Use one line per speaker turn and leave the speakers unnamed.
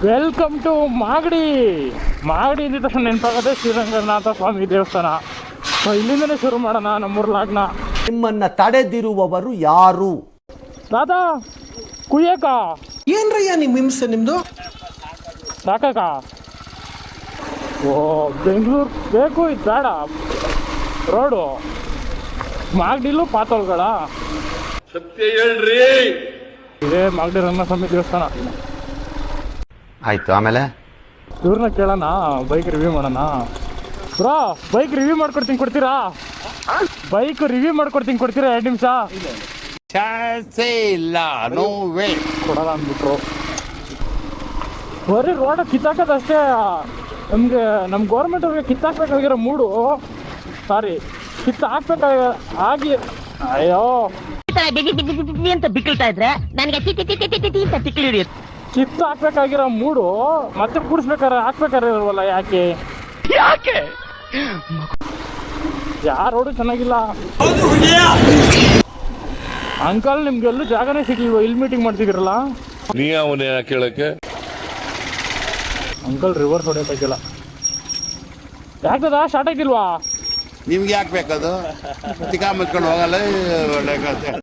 Welcome to Magadi. Magadi ಇಂದ ತಕ್ಷಣ ನೆನಪಾಗದೆ ಶ್ರೀರಂಗನಾಥ ಸ್ವಾಮಿ ದೇವಸ್ಥಾನ. ಇಲ್ಲಿಂದನೇ ಶುರು ಮಾಡೋಣ ನಮ್ಮೂರ್ ಲಾಗ್ನ.
ನಿಮ್ಮನ್ನ ತಡೆದಿರುವವರು ಯಾರು?
ದಾದಾ ಕುಯ್ಯಕ
ಏನ್ರಯ್ಯ ನಿಮ್ ಹಿಂಸೆ ನಿಮ್ದು?
ಸಾಕಕ. ಓ ಬೆಂಗಳೂರು ಬೇಕು, ಇದು ಬೇಡ. ರೋಡು ಮಾಗಡಿಲು ಪಾತೋಳ್ಗಳ
ಸತ್ಯ ಹೇಳ್ರಿ.
ಇದೇ ಮಾಗಡಿ ರಂಗಸ್ವಾಮಿ ದೇವಸ್ಥಾನ.
ಆಯ್ತು, ಆಮೇಲೆ
ಇವ್ರನ್ನ ಕೇಳೋಣ, ಬೈಕ್ ರಿವ್ಯೂ ಮಾಡೋಣ. ಬ್ರೋ ಬೈಕ್ ರಿವ್ಯೂ ಮಾಡ್ಕೊಡ್ತೀನಿ, ಕೊಡ್ತೀರಾ? ಬೈಕ್ ರಿವ್ಯೂ ಮಾಡ್ಕೊಡ್ತೀನಿ, ಕೊಡ್ತೀರಾ? 2 ನಿಮಿಷ
ಇಲ್ಲ, ನೋ ವೇ.
ಕೊಡಲ್ಲ ಅಂದ್ಬಿಟ್ರು. ಬರೀ ರೋಡ ಕಿತ್ತಾಕೋದಷ್ಟೇ. ನಮಗೆ ನಮ್ಮ ಗೌರ್ಮೆಂಟ್ ಅವ್ರಿಗೆ ಕಿತ್ತಾಕ್ಬೇಕಾಗಿರೋ ಮೂಡು, ಸಾರಿ ಕಿತ್ತಾಕ್ಬೇಕಾಗ ಆಗಿ. ಅಯ್ಯೋ
ಅಂತ ಬಿಕ್ಕಳ್ತಾ ಇದ್ರೆ ನನಗೆ ಅಂತ ತಿಕ್ಕಿ ಹಿಡಿಯುತ್ತೆ.
ಕಿತ್ತು ಹಾಕ್ಬೇಕಾಗಿರೋ ಮೂಡು ಮತ್ತೆ ಕೂಡಿಸ್ಬೇಕಾರೆ ಹಾಕ್ಬೇಕಾರೆ ಇಲ್ವಲ್ಲ? ಯಾಕೆ ಯಾರೋಡು ಚೆನ್ನಾಗಿಲ್ಲ. ಅಂಕಲ್ ನಿಮ್ಗೆಲ್ಲೂ ಜಾಗನೇ ಸಿಗ್ಲಿಲ್ವ? ಇಲ್ಲಿ ಮೀಟಿಂಗ್ ಮಾಡ್ತಿದ್ದೀರಲ್ಲ.
ನೀ ಅವನೇ ಕೇಳಕ್ಕೆ
ಅಂಕಲ್ ರಿವರ್ಸ್ ಹೊಡೆಯೋಕ್ಕಾಗಿಲ್ಲ. ಯಾಕದ ಸ್ಟಾರ್ಟ್ ಆಗಿಲ್ವಾ?
ನಿಮ್ಗೆ ಯಾಕೆ ಬೇಕದು? ಚಿಕ್ಕ ಮುಚ್ಕೊಂಡು ಹೋಗಲ್ಲ.